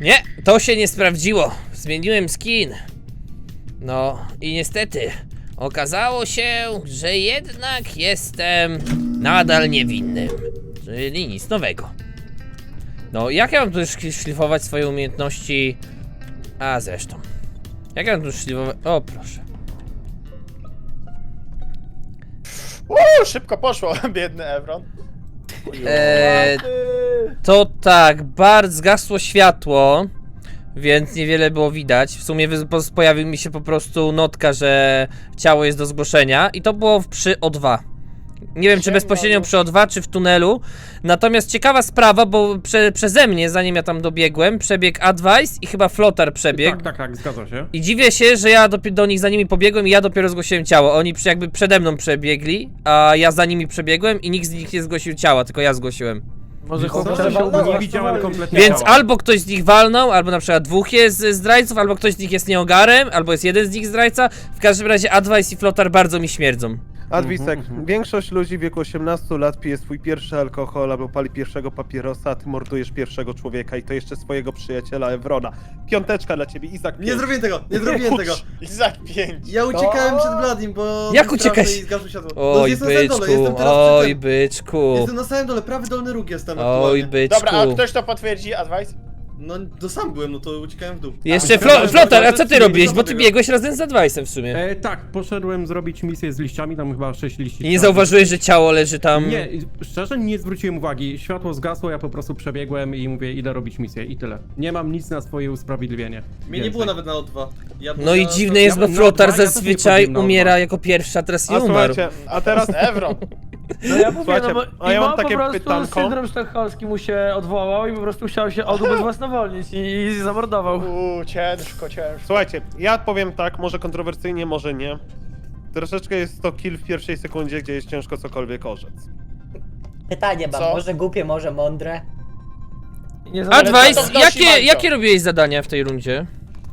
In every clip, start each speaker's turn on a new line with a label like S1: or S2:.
S1: Nie, to się nie sprawdziło. Zmieniłem skin. No i niestety okazało się, że jednak jestem nadal niewinnym. Czyli nic nowego. No, jak ja mam tu szlifować swoje umiejętności? A zresztą. Jak ja mam tu szlifować? O, proszę.
S2: Szybko poszło, biedny Evron.
S1: To tak, bardzo zgasło światło, więc niewiele było widać. W sumie pojawił mi się po prostu notka, że ciało jest do zgłoszenia i to było przy O2. Nie wiem, czy bezpośrednio przy O2, czy w tunelu. Natomiast ciekawa sprawa, bo przeze mnie, zanim ja tam dobiegłem, przebiegł Advice i chyba Flotar przebiegł.
S3: Tak, zgadza się.
S1: I dziwię się, że ja do nich za nimi pobiegłem i ja dopiero zgłosiłem ciało. Oni jakby przede mną przebiegli, a ja za nimi przebiegłem i nikt z nich nie zgłosił ciała, tylko ja zgłosiłem.
S4: Może
S3: Nie widziałem kompletnie
S1: Więc
S3: ciała.
S1: albo ktoś z nich walnął, albo na przykład dwóch jest zdrajców, albo ktoś z nich jest nieogarem, albo jest jeden z nich zdrajca. W każdym razie Advice i Flotar bardzo mi śmierdzą.
S5: Adwisek, większość ludzi w wieku 18 lat pije swój pierwszy alkohol albo pali pierwszego papierosa, a ty mordujesz pierwszego człowieka i to jeszcze swojego przyjaciela Evrona. Piąteczka dla ciebie, Izak.
S6: Nie zrobiłem tego, nie zrobiłem tego.
S2: Izak 5.
S6: Ja uciekałem przed Bladim, bo...
S1: Jak
S6: był
S1: uciekać?
S6: straszny i zgasło światło.
S1: Oj,
S6: jestem na samym dole,
S1: byczku,
S6: jestem teraz
S1: oj,
S6: przy tym.
S1: byczku,
S6: Jestem na samym dole, prawy dolny róg jestem
S1: oj,
S6: aktualnie.
S1: byczku.
S2: Dobra, a ktoś to potwierdzi, Advice?
S6: No to sam byłem, no to uciekałem w dół.
S1: Jeszcze
S6: A,
S1: Flotar, a co ty
S6: czyli
S1: robiłeś? Bo ty
S6: wybiegłem.
S1: biegłeś razem z Advice'em w sumie.
S3: Tak, poszedłem zrobić misję z liściami, tam chyba 6 liści.
S1: I nie zauważyłeś, że ciało leży tam?
S3: Nie, szczerze nie zwróciłem uwagi. Światło zgasło, ja po prostu przebiegłem i mówię, idę robić misję i tyle. Nie mam nic na swoje usprawiedliwienie.
S6: Mnie nie było nawet na O2. Ja
S1: No i
S6: byłem
S1: dziwne jest, bo
S3: ja
S1: Flotar
S3: też nie
S1: zazwyczaj
S3: wchodziłem na
S1: umiera
S3: O2.
S1: jako pierwszy, a teraz nie
S5: A
S1: umarł.
S5: słuchajcie, a teraz
S2: Evron.
S4: No ja mówię,
S5: Słuchajcie,
S4: no bo
S5: a ja mam
S4: Imo
S5: takie
S4: po prostu
S5: pytanko.
S4: syndrom sztokholmski mu się odwołał i po prostu chciał się ubezwłasnowolnić i zamordował.
S2: Ciężko.
S5: Słuchajcie, ja powiem tak, może kontrowersyjnie, może nie. Troszeczkę jest to kill w pierwszej sekundzie, gdzie jest ciężko cokolwiek orzec.
S7: Pytanie mam,
S2: Co?
S7: może głupie, może mądre?
S4: Nie
S2: Ale co
S1: Advice,
S2: to wnosi Mandzio?
S1: jakie robiłeś zadania w tej rundzie?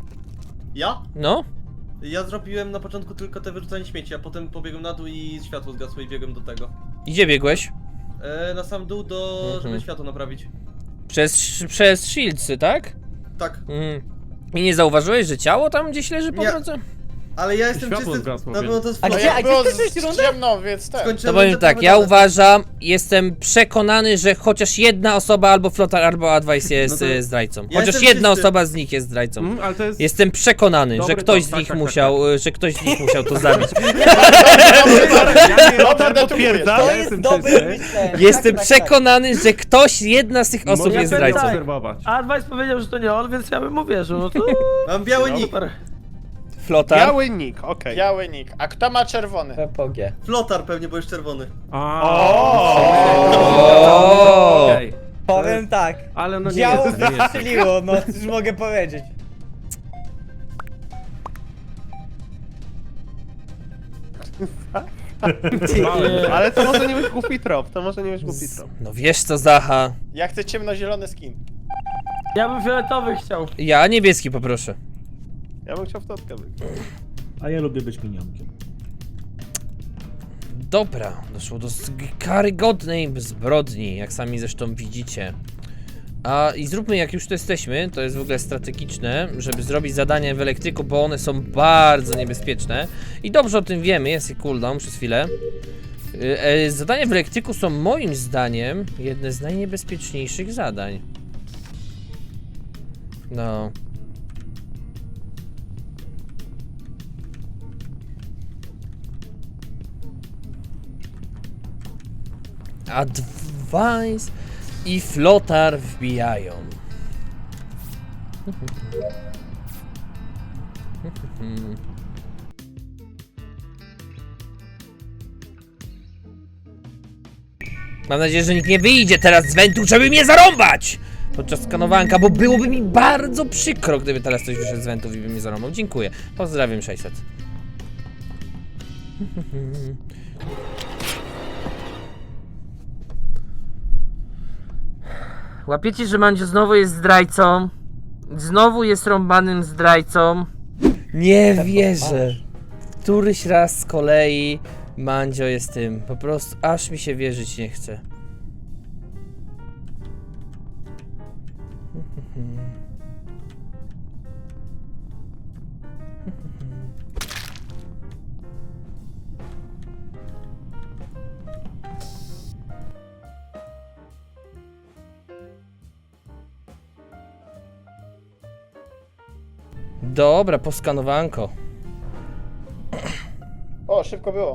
S6: Ja?
S1: No?
S6: Ja zrobiłem na początku tylko te wyrzucanie śmieci, a potem pobiegłem na dół i światło zgasło i biegłem do tego.
S1: I gdzie biegłeś?
S6: Na sam dół, żeby światło naprawić.
S1: Przez shieldsy, tak?
S6: Tak.
S1: I nie zauważyłeś, że ciało tam gdzieś leży po
S6: Nie.
S1: drodze?
S6: Ale ja jestem
S3: Światło
S6: czysty,
S3: zgasło,
S6: no
S3: więc.
S6: bo to jest
S7: A
S2: No
S7: gdzie-
S2: jak było
S7: skończyłeś rundę?
S2: ciemno, więc tak.
S1: To powiem tak, ja uważam, jestem przekonany, że chociaż jedna osoba, albo Flotar, albo Advice jest
S3: No to-
S1: zdrajcą.
S6: Ja
S1: Chociaż
S6: jestem
S1: jedna
S6: czysty.
S1: osoba z nich jest zdrajcą.
S3: Ale to jest...
S1: Jestem przekonany,
S3: Dobry
S1: że ktoś
S3: to,
S1: z
S3: tak,
S1: nich
S3: tak,
S1: musiał, że ktoś z nich musiał to zabić.
S5: Lotar potwierdza.
S7: To
S3: Ja
S7: jest
S3: jestem
S7: dobre
S3: czysty.
S7: myślenie.
S1: Jestem
S7: Tak.
S1: przekonany, że ktoś, jedna z tych osób
S3: Mogę
S1: jest
S4: ja
S1: zdrajcą.
S4: tak.
S3: obserwować.
S4: Advice powiedział, że to nie on, więc ja bym mu wierzył, no to
S6: Mam biały nick.
S4: super.
S1: Flotar?
S5: Biały nick, okej.
S2: Biały nick. A kto ma czerwony?
S7: PPG.
S6: Flotar pewnie, bo jest czerwony.
S1: O!
S3: Okej.
S7: Powiem tak.
S3: Ale no nie
S7: Działo
S3: jestem, nie jestem.
S7: wystrzeliło, no cóż mogę powiedzieć.
S5: Ale to może nie być głupi trop, to może nie być głupi trop.
S1: No wiesz co, Zacha?
S2: Ja chcę ciemnozielony skin.
S4: Ja bym fioletowy chciał.
S1: Ja niebieski poproszę.
S5: Ja bym chciał w totkę być.
S8: A ja lubię być minionkiem.
S1: Dobra, doszło do karygodnej zbrodni, jak sami zresztą widzicie. I zróbmy, jak już tu jesteśmy, to jest w ogóle strategiczne, żeby zrobić zadania w elektryku, bo one są bardzo niebezpieczne. I dobrze o tym wiemy, jest cooldown przez chwilę. Zadania w elektryku są moim zdaniem jedne z najniebezpieczniejszych zadań. No. Advice i Flotar wbijają. Mam nadzieję, że nikt nie wyjdzie teraz z wentu, żeby mnie zarąbać! Podczas skanowanka, bo byłoby mi bardzo przykro, gdyby teraz ktoś wyszedł z wentów i by mnie zarąbał. Dziękuję. Pozdrawiam 600. Łapiecie, że Mandzio znowu jest zdrajcą. Znowu jest rąbanym zdrajcą. Nie wierzę. Któryś raz z kolei Mandzio jest tym. Po prostu aż mi się wierzyć nie chce. Dobra, poskanowanko.
S2: O, szybko było.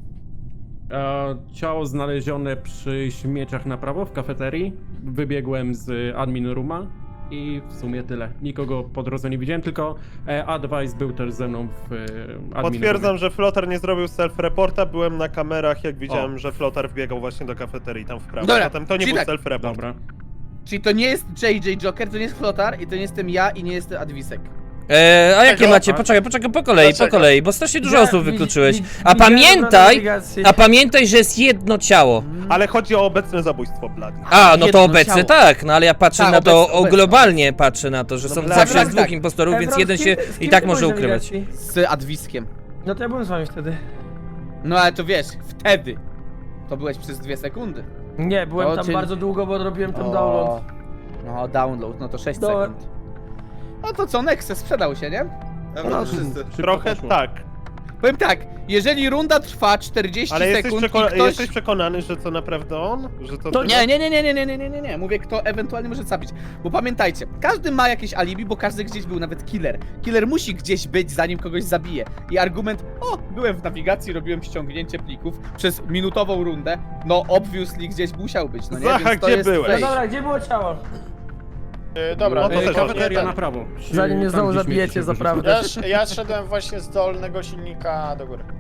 S3: Ciało znalezione przy śmieciach na prawo w kafeterii. Wybiegłem z admin rooma i w sumie tyle. Nikogo po drodze nie widziałem, tylko Advice był też ze mną w admin
S5: Potwierdzam,
S3: roomie.
S5: że Flotar nie zrobił self-reporta. Byłem na kamerach, jak widziałem, że Flotar wbiegał właśnie do kafeterii tam w prawo.
S9: Dobra,
S5: Zatem to nie
S9: czyli
S5: był
S9: tak.
S5: self-report.
S3: Dobra.
S9: Czyli to nie jest JJ Joker, to nie jest Flotar i to nie jestem ja i nie jest Adwisek.
S1: A jakie
S2: Czego?
S1: macie? Poczekaj, po
S2: Dlaczego?
S1: kolei, bo strasznie dużo
S4: Ja
S1: osób
S4: wi-
S1: wykluczyłeś.
S4: wi-
S1: A
S4: widziałem
S1: pamiętaj,
S4: navigację.
S1: że jest jedno ciało.
S5: Ale chodzi o obecne zabójstwo Bloody.
S1: A, no
S9: Jedno
S1: to obecne
S9: ciało.
S1: tak, no ale ja patrzę
S9: Tak,
S1: na to
S9: obecne.
S1: globalnie, patrzę na to, że są
S5: Dobra,
S1: zawsze
S9: tak,
S1: jest dwóch
S9: tak.
S1: impostorów, więc
S4: Ebron,
S1: jeden
S4: z kim
S1: się
S4: ty- z kim
S1: i tak
S4: ty
S1: może
S4: byłeś w
S1: ukrywać.
S4: nawigacji?
S9: Z Adwiskiem.
S4: No to ja byłem z wami wtedy.
S9: No ale to wiesz, wtedy. To byłeś przez 2 sekundy.
S4: Nie, byłem
S9: To
S4: tam
S9: czyli-
S4: bardzo długo, bo robiłem ten
S9: O,
S4: download.
S9: No, download, no to 6
S4: Do-
S9: sekund. No to co, Nexe sprzedał się, nie?
S6: Dobra, wszyscy.
S3: Szybko
S5: Trochę
S3: poszło.
S5: tak.
S9: Powiem tak, jeżeli runda trwa 40
S5: Ale jesteś,
S9: sekund i ktoś...
S5: jesteś przekonany, że to naprawdę on? Że to
S9: To
S5: ty?
S9: nie, mówię kto ewentualnie może zabić. Bo pamiętajcie, każdy ma jakieś alibi, bo każdy gdzieś był, nawet killer. Killer musi gdzieś być, zanim kogoś zabije. I argument, byłem w nawigacji, robiłem ściągnięcie plików przez minutową rundę, no obviously gdzieś musiał być, no nie?
S5: Zacha,
S9: Więc to
S5: gdzie
S9: jest
S5: byłeś?
S4: No
S9: fake.
S4: dobra, gdzie było ciało?
S2: Dobra,
S5: No to też
S3: Kafeteria
S2: ten.
S3: na prawo.
S4: Zanim mnie
S3: Tam,
S4: znowu
S3: gdzie śmieci
S4: zabijecie
S3: się
S4: za
S3: wyrzuca.
S4: prawdę.
S2: Ja szedłem właśnie z dolnego silnika do góry.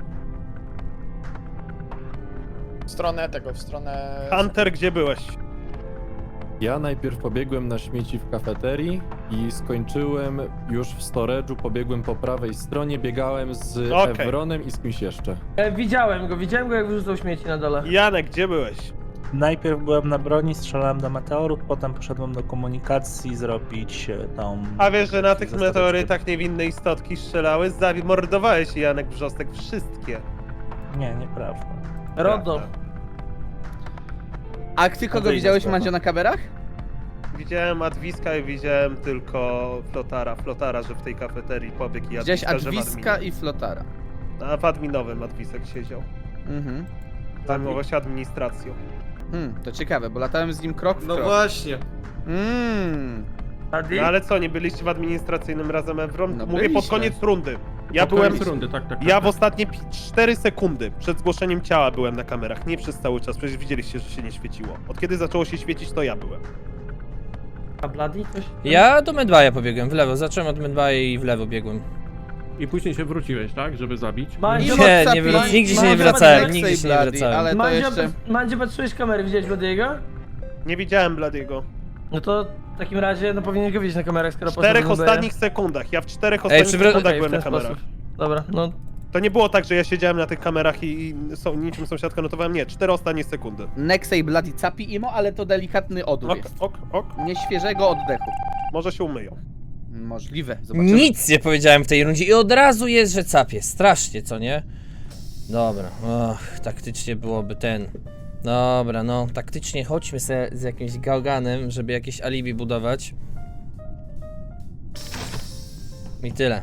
S2: W stronę tego, w stronę...
S5: Hunter, gdzie byłeś?
S10: Ja najpierw pobiegłem na śmieci w kafeterii i skończyłem już w storage'u, pobiegłem po prawej stronie, biegałem z
S5: Okej.
S10: Evronem i z kimś jeszcze.
S4: Widziałem go jak wyrzucał śmieci na dole.
S5: Janek, gdzie byłeś?
S8: Najpierw byłem na broni, strzelałem do meteorów, potem poszedłem do komunikacji zrobić tą...
S5: A wiesz, że na tych
S8: Zostawiać
S5: meteorytach niewinne istotki strzelały? Zamordowałeś Janek Brzostek wszystkie.
S8: Nie, nieprawda.
S4: Rodo.
S9: A ty kogo
S8: Odejdę
S9: widziałeś,
S8: z
S9: Mandzio, na kamerach?
S5: Widziałem Adwiska i widziałem tylko Flotara, że w tej kafeterii pobiegł i
S9: Widziałeś
S5: Adwiska, że w
S9: Adwiska
S5: adminie.
S9: i Flotara.
S5: A w adminowym Adwisek siedział.
S9: Mhm.
S5: Zajmował się administracją.
S9: To ciekawe, bo latałem z nim krok w
S6: No
S9: krok.
S6: właśnie.
S4: Adi?
S5: No ale co, nie byliście w administracyjnym razem Evron?
S9: No
S5: Mówię
S9: byliśmy.
S5: pod koniec rundy. Ja
S3: Pod
S5: byłem...
S3: koniec rundy, tak.
S5: Ja w ostatnie 4 sekundy przed zgłoszeniem ciała byłem na kamerach, nie przez cały czas, przecież widzieliście, że się nie świeciło. Od kiedy zaczęło się świecić, to ja byłem.
S4: A Bloody coś?
S1: Ja do Medbaya pobiegłem, w lewo, zacząłem od Medbaya i w lewo biegłem.
S3: I później się wróciłeś, tak? Żeby zabić.
S4: Mandzio,
S1: Nigdzie się nie
S9: Mandzio,
S1: wracałem,
S9: Mandzio,
S1: nigdzie się nie
S9: Bloody,
S1: wracałem.
S9: Ale to jeszcze...
S4: Mandzio, patrzyłeś kamery, widziałeś Bloody'ego?
S5: Nie widziałem Bladiego.
S4: No to w takim razie, no powinieneś go widzieć na kamerach, skoro
S5: W 4
S4: poszedł do
S5: ostatnich sekundach, ja w 4 ostatnich sekundach
S4: Okej, w
S5: byłem
S4: ten
S5: na kamerach.
S4: sposób. Dobra, no
S5: To nie było tak, że ja siedziałem na tych kamerach i niczym sąsiadka notowałem, nie, 4 ostatnie sekundy.
S9: Nexe i Bloody capi imo, ale to delikatny odór
S5: Ok,
S9: jest.
S5: ok,
S9: Nieświeżego oddechu.
S5: może się umyją.
S9: Możliwe, zobaczymy.
S1: Nic nie powiedziałem w tej rundzie i od razu jest, że capie. Strasznie, co nie? Dobra, taktycznie byłoby ten. Dobra, no, taktycznie chodźmy se z jakimś gałganem, żeby jakieś alibi budować. I tyle.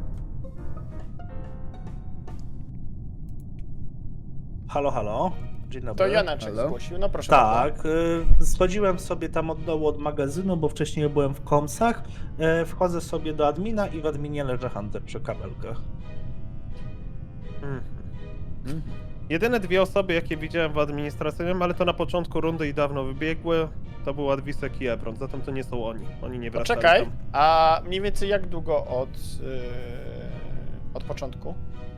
S8: Halo, halo. Dzień dobry.
S2: To Janeczek
S9: Halo?
S2: zgłosił, no proszę bardzo.
S8: Tak, schodziłem sobie tam od dołu od magazynu, bo wcześniej byłem w komsach. Wchodzę sobie do admina i w adminie leży Hunter przy kabelkach.
S5: Jedyne dwie osoby, jakie widziałem w administracyjnym, ale to na początku rundy i dawno wybiegły, to był Adwisek i Ebron, zatem to nie są oni. Oni nie wracali
S2: Poczekaj,
S5: tam.
S2: a mniej więcej jak długo od początku?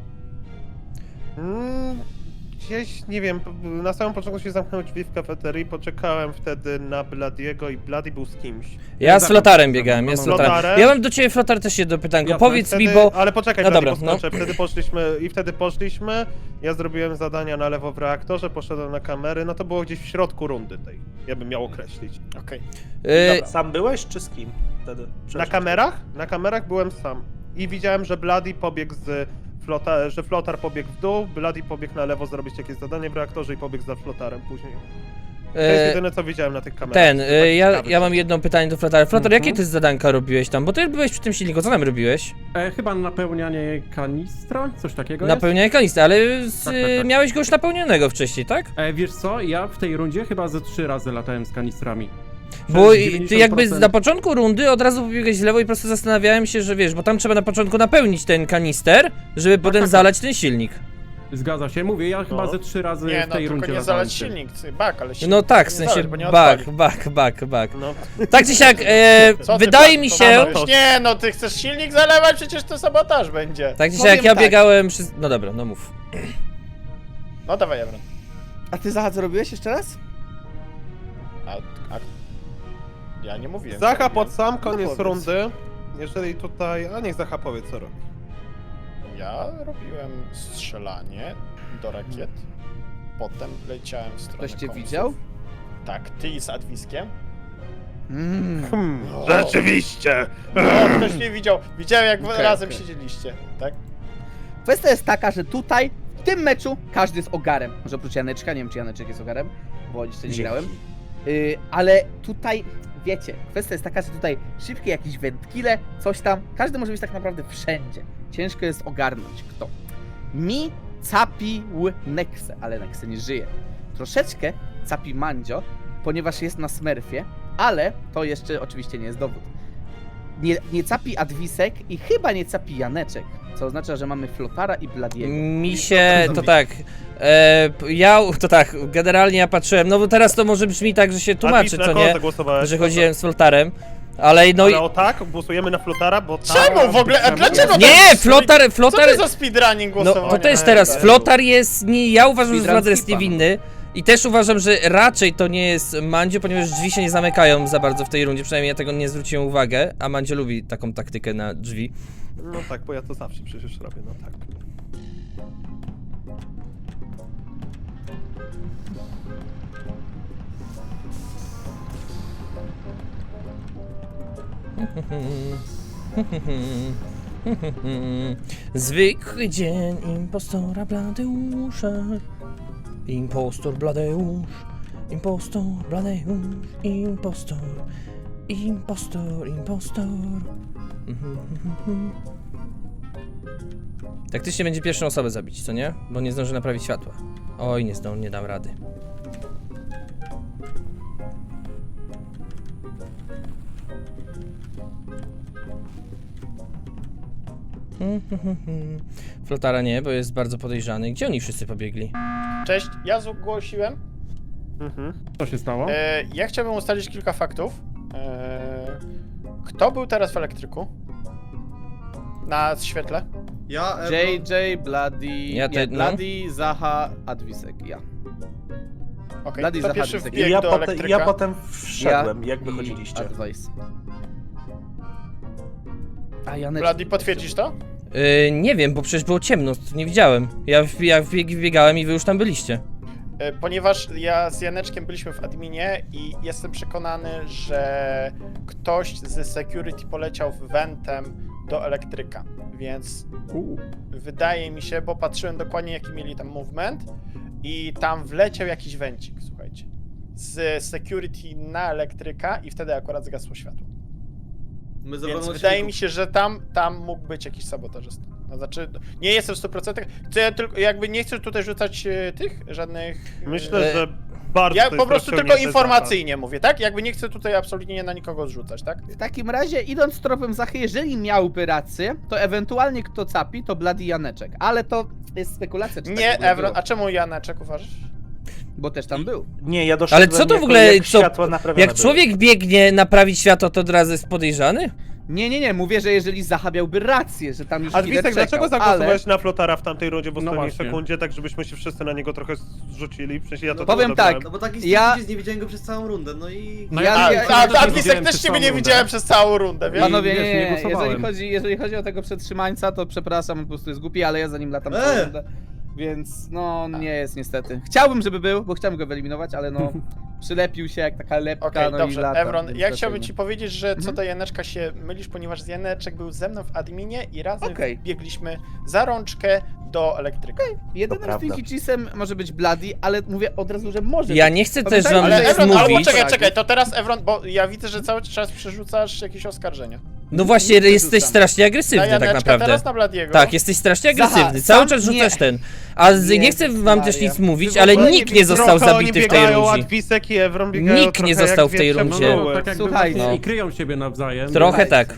S5: Gdzieś, nie wiem, na samym początku się zamknęły drzwi w kafeterii, poczekałem wtedy na Bladiego i Bladi był z kimś.
S1: Ja z Flotarem biegałem, ja z Flotarem.
S5: Flotarem?
S1: Ja mam do ciebie, Flotar, też jedno pytanko.
S3: Jasne.
S1: Powiedz mi,
S5: Wtedy,
S1: bo...
S5: ale poczekaj,
S1: No
S5: Bladi,
S1: dobra,
S5: poskoczę. Wtedy poszliśmy, ja zrobiłem zadania na lewo w reaktorze, poszedłem na kamery, no to było gdzieś w środku rundy tej, ja bym miał określić.
S2: Okej.
S8: Sam byłeś, czy z kim wtedy?
S5: Na kamerach? Na kamerach byłem sam. I widziałem, że Bladi pobiegł z że Flotar pobiegł w dół, Bladi pobiegł na lewo zrobić jakieś zadanie w reaktorze i pobiegł za Flotarem później. To jest jedyne, co widziałem na tych kamerach.
S1: Ja mam jedno pytanie do Flotara. Flotar, jakie ty zadanka robiłeś tam? Bo ty byłeś przy tym silniku, co tam robiłeś?
S3: Chyba napełnianie kanistra, coś takiego
S1: Napełnianie kanistry, ale
S3: Tak.
S1: miałeś go już napełnionego wcześniej, tak?
S3: jest? Wiesz co, ja w tej rundzie chyba ze 3 razy latałem z kanistrami.
S1: Bo
S3: Przez
S1: ty jakby
S3: 90%
S1: na początku rundy od razu pobiegłeś w lewo i po prostu zastanawiałem się, że wiesz, bo tam trzeba na początku napełnić ten kanister, żeby potem zalać ten silnik.
S3: Zgadza się, mówię, ja chyba ze 3 razy
S2: Nie,
S3: w
S2: no
S3: tej
S2: tylko
S3: rundzie
S2: nie
S3: latałem
S2: zalać
S3: z tym.
S2: silnik, bak, ale silnik
S1: No tak, w
S2: nie
S1: sensie
S2: zalać, bo nie
S1: bak.
S2: odpali.
S5: No.
S1: Tak czy siak,
S2: Co ty,
S1: wydaje
S2: pan,
S1: mi
S2: to
S1: się...
S2: zamawiasz? Nie, no ty chcesz silnik zalewać, przecież to sabotaż będzie.
S1: Tak czy
S9: Powiem
S1: siak, ja
S9: tak.
S1: biegałem przez... No dobra, no mów.
S2: No dawaj, Ebron.
S9: A ty, Zaha, co robiłeś jeszcze raz?
S2: A ja nie mówiłem.
S5: Zacha
S2: co
S5: pod sam
S9: No
S5: koniec
S9: powiedz.
S5: rundy. Jeżeli tutaj... A niech Zacha powie, co robi.
S2: Ja robiłem strzelanie do rakiet, potem leciałem w stronę
S9: Ktoś cię
S2: komsów.
S9: widział?
S2: Tak, ty z Adwiskiem. O.
S5: Rzeczywiście!
S2: No, ktoś mnie widział. Widziałem jak
S9: Okej,
S2: razem
S9: okej.
S2: siedzieliście, tak?
S9: Kwestia jest taka, że tutaj, w tym meczu, każdy jest ogarem. Może oprócz Janeczka, nie wiem czy Janeczek jest ogarem, bo jeszcze nie grałem. Ale tutaj, wiecie, kwestia jest taka, że tutaj szybkie jakieś wędkile, coś tam, każdy może być tak naprawdę wszędzie. Ciężko jest ogarnąć kto. Mi capił Nexę, ale Nexe nie żyje. Troszeczkę capi Mandzio, ponieważ jest na Smurfie, ale to jeszcze oczywiście nie jest dowód. Nie capi Adwisek i chyba nie capi Janeczek, co oznacza, że mamy Flotara i Bladiego.
S1: Mi się, to tak, generalnie ja patrzyłem, no bo teraz to może brzmi tak, że się tłumaczy, co nie, że chodziłem z Flotarem, ale no i...
S5: Ale o tak, głosujemy na Flotara, bo tak...
S2: Czemu w ogóle? A dlaczego
S1: Nie,
S2: tak? Co
S1: Flotar,
S2: to za speedrunning
S1: no
S2: głosowania?
S1: to też teraz, Flotar jest, nie, ja uważam, że
S9: Speedrun
S1: Flotar jest
S9: skipa, no.
S1: niewinny i też uważam, że raczej to nie jest Mandzio, ponieważ drzwi się nie zamykają za bardzo w tej rundzie, przynajmniej ja tego nie zwróciłem uwagę, a Mandzio lubi taką taktykę na drzwi.
S5: No tak, bo ja to zawsze przecież robię, no tak.
S1: Zwykły dzień impostora Bladeusza. Impostor Bladeusz. Impostor Bladeusz. Impostor. Impostor. Impostor. Taktycznie będzie pierwszą osobę zabić, co nie? Bo nie zdąży naprawić światła. Oj, nie dam rady. Flotara nie, bo jest bardzo podejrzany. Gdzie oni wszyscy pobiegli?
S2: Cześć, ja zgłosiłem.
S3: Co się stało?
S2: Ja chciałbym ustalić kilka faktów. Kto był teraz w elektryku? Na świetle?
S6: Ja, Ebron,
S9: JJ, Bloody,
S1: Ja
S9: nie,
S1: no.
S9: Bloody, Zaha, Adwisek, ja.
S2: Okej,
S9: Bloody
S2: kto
S9: za
S2: pierwszy
S9: Hadwisek.
S2: wbiegł do elektryka?
S8: Ja potem wszedłem, jak
S9: i
S8: wychodziliście.
S9: Advice. A Janeczek...
S2: Bloody, potwierdzisz to?
S1: Nie wiem, bo przecież było ciemno, nie widziałem. Ja wbiegałem i wy już tam byliście.
S2: Ponieważ ja z Janeczkiem byliśmy w adminie i jestem przekonany, że ktoś ze security poleciał wentem do elektryka, więc wydaje mi się, bo patrzyłem dokładnie jaki mieli tam movement i tam wleciał jakiś wencik, słuchajcie, z security na elektryka i wtedy akurat zgasło światło.
S6: My
S2: Więc wydaje mi się, że tam mógł być jakiś sabotażysta. No, znaczy, nie jestem w 100%. Chcę tylko, jakby nie chcę tutaj rzucać tych żadnych.
S5: Myślę, że bardzo
S2: Ja
S5: to
S2: po
S5: jest
S2: prostu tylko
S5: rozciągnięte
S2: informacyjnie mówię, tak? Jakby nie chcę tutaj absolutnie na nikogo zrzucać, tak?
S9: W takim razie, idąc tropem Zachy, jeżeli miałby rację, to ewentualnie kto capi, to Bloody Janeczek. Ale to jest spekulacja, czy tak w
S2: Nie,
S9: ogóle
S2: Evron.
S9: było.
S2: A czemu Janeczek uważasz?
S9: Bo też tam był.
S8: Nie, ja doszedłem
S1: Ale co to w
S8: jako
S1: ogóle,
S8: jak
S1: co,
S8: światła naprawione
S1: jak
S8: były.
S1: człowiek biegnie naprawić światło, to od razu jest podejrzany?
S9: Nie, mówię, że jeżeli Zacha miałby rację, że tam już
S5: A
S9: killer
S5: Wisek,
S9: czekał,
S5: dlaczego
S9: ale...
S5: zagłosowałeś na Flotara w tamtej rundzie w
S3: No
S5: ostatniej
S3: właśnie.
S5: sekundzie, tak żebyśmy się wszyscy na niego trochę zrzucili? Przecież ja to
S6: No
S9: powiem
S5: dobrałem.
S9: tak,
S6: No bo taki
S9: Ja-
S6: nie widziałem go przez całą rundę, no i...
S3: No
S9: Ja-
S2: A
S9: ja-
S2: Adwisek
S3: widziałem
S2: też
S3: przez
S2: ciebie
S3: całą
S2: nie
S3: rundę.
S2: widziałem przez całą rundę, wiesz?
S9: Panowie,
S3: wiesz, nie
S9: nie,
S3: głosowałem.
S9: jeżeli chodzi o tego przetrzymańca, to przepraszam, on po prostu jest głupi, ale ja za nim latam całą rundę. Więc no, nie jest niestety. Chciałbym, żeby był, bo chciałbym go wyeliminować, ale no, przylepił się jak taka lepka,
S2: Okej,
S9: no i
S2: dobrze,
S9: lata.
S2: Evron,
S9: więc
S2: ja
S9: dlatego
S2: chciałbym
S9: nie.
S2: ci powiedzieć, że co
S9: Mhm.
S2: do Janeczka się mylisz, ponieważ Janeczek był ze mną w adminie i razem
S9: Okej.
S2: biegliśmy za rączkę do elektryka.
S9: Jedynym
S8: prawda.
S9: Stinky Cheese'em może być Bloody, ale mówię od razu, że może
S1: Ja
S9: być.
S1: nie chcę też
S9: Pamiętajmy,
S1: wam
S9: że
S2: Ale
S9: jest
S2: Evron, albo
S1: mówić.
S2: czekaj, to teraz Evron, bo ja widzę, że cały czas przerzucasz jakieś oskarżenia.
S1: No właśnie,
S9: Nie
S1: jesteś
S9: wyrzucam.
S1: strasznie
S2: Na
S1: agresywny tak
S2: Janeczka,
S1: naprawdę.
S2: teraz na Bladiego.
S1: Tak, jesteś strasznie
S9: Zaha,
S1: agresywny. Cały
S9: sam
S1: czas
S9: nie.
S1: rzucasz ten. A nie chcę wam też
S9: Maria.
S1: nic mówić,
S9: Wy w
S1: ale
S9: ogóle nie
S1: nikt nie
S9: widzą,
S1: został
S5: Trochę oni
S1: zabity w tej
S5: biegają,
S1: rundzie.
S5: Adwisek i Evron biegają
S1: Nikt
S5: trochę
S1: nie został
S5: jak
S1: w tej
S5: dwie
S1: rundzie.
S3: No,
S5: pszczoły.
S3: tak jakby
S9: Słuchajcie.
S3: właśnie i kryją siebie nawzajem.
S1: Trochę tak.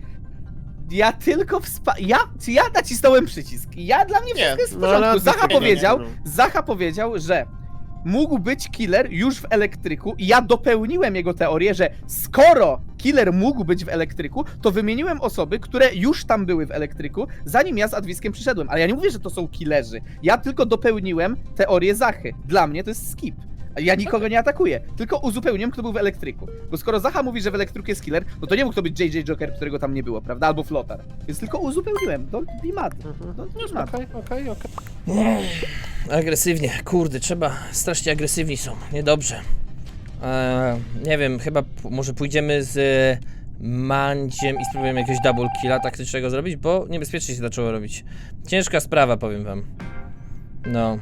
S9: Ja tylko ja nacisnąłem przycisk. Dla mnie
S2: Nie,
S9: wszystko jest w
S5: no ale
S9: porządku. Zacha
S5: nie, nie,
S9: powiedział,
S5: nie.
S9: Zacha powiedział, że mógł być killer już w elektryku i ja dopełniłem jego teorię, że skoro killer mógł być w elektryku, to wymieniłem osoby, które już tam były w elektryku, zanim ja z Adwiskiem przyszedłem. Ale ja nie mówię, że to są killerzy. Ja tylko dopełniłem teorię Zachy. Dla mnie to jest skip. Ja nikogo nie atakuję, tylko uzupełniłem, kto był w elektryku. Bo skoro Zacha mówi, że w elektryku jest killer, no to nie mógł to być JJ Joker, którego tam nie było, prawda? Albo Flotar. Więc tylko uzupełniłem. Don't be mad. Don't be mad.
S5: Okej.
S1: Agresywnie, kurde, trzeba, strasznie agresywni są, niedobrze. Nie wiem, chyba może pójdziemy z Mandziem i spróbujemy jakiegoś double killa taktycznego zrobić, bo niebezpiecznie się zaczęło robić. Ciężka sprawa, powiem wam. No.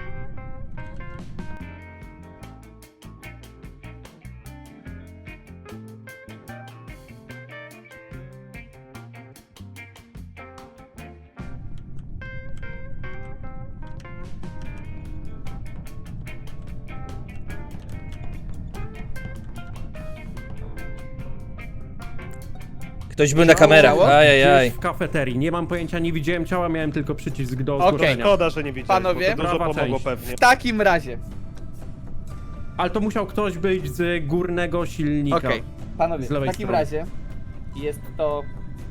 S1: Ktoś był na kamerach,
S9: Ciało?
S1: ajajaj.
S3: Gdzieś w kafeterii. Nie mam pojęcia, nie widziałem ciała, miałem tylko przycisk do
S9: Okej.
S3: zgłoszenia.
S5: Szkoda, że nie widziałem,
S9: Panowie?
S5: bo to dużo
S3: Prawa
S5: pomogło
S3: część.
S5: pewnie.
S9: W takim razie.
S3: Ale to musiał ktoś być z górnego silnika.
S9: Okej, panowie,
S3: Z
S9: w
S3: lewej
S9: takim
S3: strony.
S9: razie jest to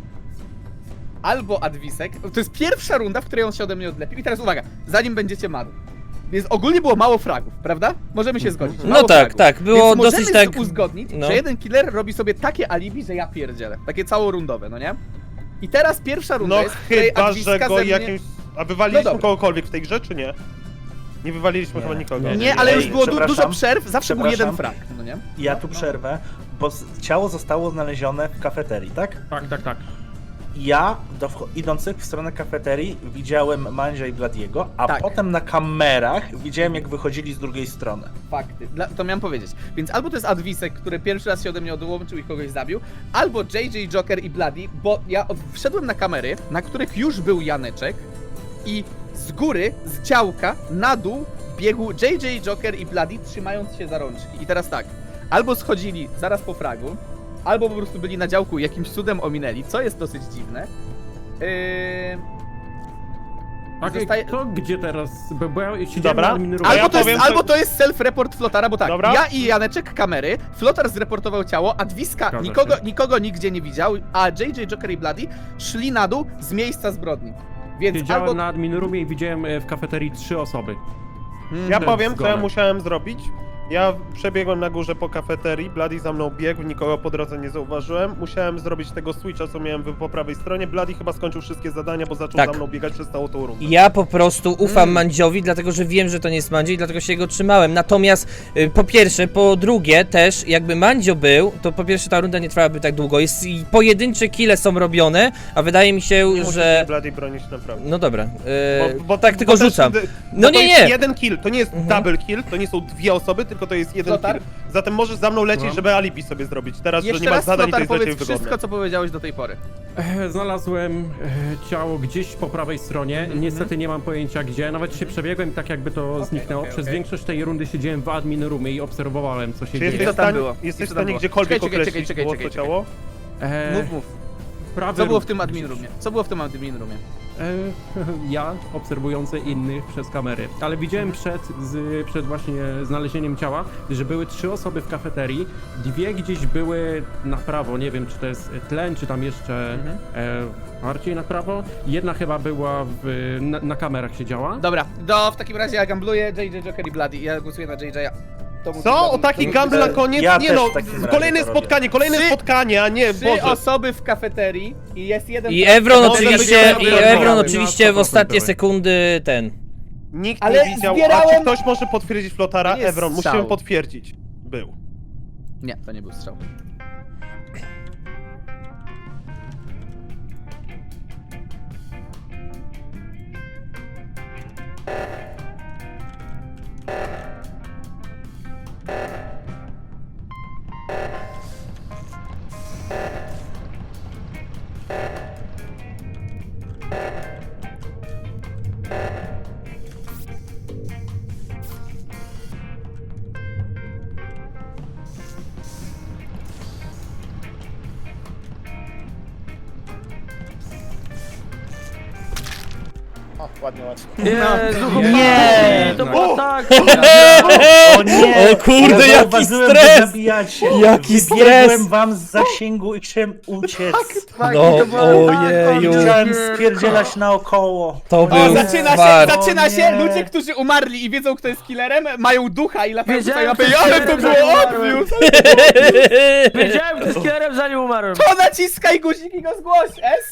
S9: albo Adwisek, to jest pierwsza runda, w której on się ode mnie odlepił i teraz uwaga, zanim będziecie madł. Więc ogólnie było mało fragów, prawda? Możemy się zgodzić.
S1: No
S9: mało
S1: tak,
S9: fragów.
S1: tak, było
S9: Więc
S1: dosyć
S9: możemy
S1: tak.
S9: uzgodnić,
S1: no.
S9: że jeden killer robi sobie takie alibi, że ja pierdzielę. Takie całorundowe, no nie? I teraz pierwsza runda
S5: No
S9: jest, w której
S5: chyba,
S9: Adwiska
S5: że go
S9: ze mnie...
S5: jakimś... A wywaliliśmy
S9: No dobra.
S5: kogokolwiek w tej grze, czy nie? Nie wywaliliśmy chyba nikogo.
S9: Nie, ale już było
S8: Przepraszam.
S9: dużo przerw, zawsze był jeden
S8: Przepraszam.
S9: frag, no nie?
S8: Ja tu przerwę, bo ciało zostało znalezione w kafeterii, tak?
S3: Tak.
S8: Ja, idących w stronę kafeterii, widziałem Mandzia i Bladiego, a
S9: Tak.
S8: potem na kamerach widziałem, jak wychodzili z drugiej strony.
S9: Fakty. To miałem powiedzieć. Więc albo to jest Adwisek, który pierwszy raz się ode mnie odłączył i kogoś zabił, albo JJ Joker i Bloody, bo ja wszedłem na kamery, na których już był Janeczek i z góry, z działka, na dół biegł JJ Joker i Bloody, trzymając się za rączki. I teraz tak, albo schodzili zaraz po fragu, albo po prostu byli na działku i jakimś cudem ominęli, co jest dosyć dziwne.
S3: Tak,
S9: Zostaje-
S3: kto gdzie teraz? Bo ja siedziałem
S5: Dobra.
S3: na admin roomie.
S5: A ja
S9: Albo,
S5: powiem,
S9: albo to jest self-report Flotara, bo tak,
S5: Dobra.
S9: ja i Janeczek kamery, Flotar zreportował ciało, Adwiska
S3: Zgadza się.
S9: nikogo nigdzie nie widział, a JJ Joker i Bloody szli na dół z miejsca zbrodni. Więc
S3: Siedziałem
S9: albo...
S3: na admin roomie i widziałem w kafeterii 3 osoby.
S5: Ja
S3: To
S5: powiem,
S3: jest
S5: co ja
S3: zgoda.
S5: musiałem zrobić. Ja przebiegłem na górze po kafeterii, Bloody za mną biegł, nikogo po drodze nie zauważyłem. Musiałem zrobić tego switcha, co miałem po prawej stronie. Bloody chyba skończył wszystkie zadania, bo zaczął
S1: Tak.
S5: za mną biegać przez całą tą rundę.
S1: Ja po prostu ufam Mandziowi, dlatego że wiem, że to nie jest Mandzio i dlatego się jego trzymałem. Natomiast po pierwsze, po drugie też, jakby Mandzio był, to po pierwsze ta runda nie trwałaby tak długo. Jest i pojedyncze kille są robione, a wydaje mi się,
S5: Nie musisz
S1: że...
S5: mnie Bloody bronić naprawdę.
S1: No dobra,
S5: Bo
S1: tak tylko
S5: też-
S1: rzucam.
S5: bo
S1: No
S5: to
S1: nie,
S5: jest
S1: nie.
S5: jeden kill, to nie jest double kill, to nie są dwie osoby, tylko tylko to jest jeden
S9: Flotar?
S5: kill. Zatem możesz za mną lecieć,
S3: No.
S5: żeby alibi sobie zrobić. Teraz, że
S9: Jeszcze
S5: nie masz
S9: raz,
S5: zadań, to
S9: Flotar,
S5: jest dla ciebie
S9: powiedz
S5: wygodne.
S9: wszystko, co powiedziałeś do tej pory.
S3: Znalazłem ciało gdzieś po prawej stronie. Niestety nie mam pojęcia gdzie. Nawet się przebiegłem i tak jakby to zniknęło. Przez większość tej rundy siedziałem w admin roomie i obserwowałem, co się
S5: Czy
S3: dzieje.
S5: jesteś
S9: Co
S5: w
S9: tam
S5: stanie,
S9: było?
S5: jesteś
S9: Co
S5: w
S9: tam
S5: stanie
S9: było?
S5: gdziekolwiek
S9: Czekaj,
S5: określić było to ciało?
S9: Mów.
S3: Prawy
S9: Co było
S3: róg.
S9: w tym admin roomie? Co było w tym admin roomie?
S3: Ja obserwujący innych przez kamery, ale widziałem przed właśnie znalezieniem ciała, że były 3 osoby w kafeterii, 2 gdzieś były na prawo, nie wiem czy to jest tlen, czy tam jeszcze bardziej na prawo, jedna chyba była na kamerach siedziała.
S9: Dobra, w takim razie ja gambluję JJ, Joker i Bloody. Ja głosuję na JJ'a. To był
S5: Co?
S9: Bloody.
S5: O taki
S9: To-
S5: gamble na koniec?
S8: Ja
S5: Nie
S8: też
S5: no,
S8: w takim razie
S5: kolejne
S8: to robię.
S5: spotkanie, a nie,
S9: 3
S5: Boże.
S9: osoby w kafeterii i jest jeden...
S1: I Evron
S5: Może
S1: oczywiście,
S5: być
S1: i
S5: Evron,
S1: Evron
S5: ale
S1: oczywiście w
S3: 100%
S1: ostatnie
S3: były.
S1: sekundy ten.
S5: Nikt
S9: Ale
S5: nie widział, a
S9: zbierałem-
S5: czy ktoś może potwierdzić Flotara?
S9: To nie jest
S5: Evron, musimy
S9: strzał.
S5: potwierdzić. Był.
S9: Nie, to nie był strzał.
S2: O, ładnie.
S4: Jezu,
S7: Nie.
S4: to było tak!
S8: O nie!
S1: O kurde,
S8: ja
S1: jaki
S8: zauważyłem,
S1: stres!
S8: że zabijacie.
S1: Jaki
S8: Wybiegłem
S1: stres!
S8: wam z zasięgu i chciałem uciec.
S1: No,
S4: to było tak,
S1: ojeju.
S8: Chciałem spierdzielać naokoło.
S1: To
S9: O,
S1: był
S9: zaczyna
S1: fart.
S9: się, zaczyna się!
S8: nie.
S9: Ludzie, którzy umarli i wiedzą, kto jest killerem, mają ducha i latają tutaj
S4: Wiedziałem,
S9: mapy.
S4: kto
S9: Ale
S4: jest
S9: to
S4: killerem,
S9: było
S4: zanim umarłem.
S9: obvious!
S4: Wiedziałem, kto jest killerem zanim umarłem.
S9: To naciskaj guzik i go zgłoś! S?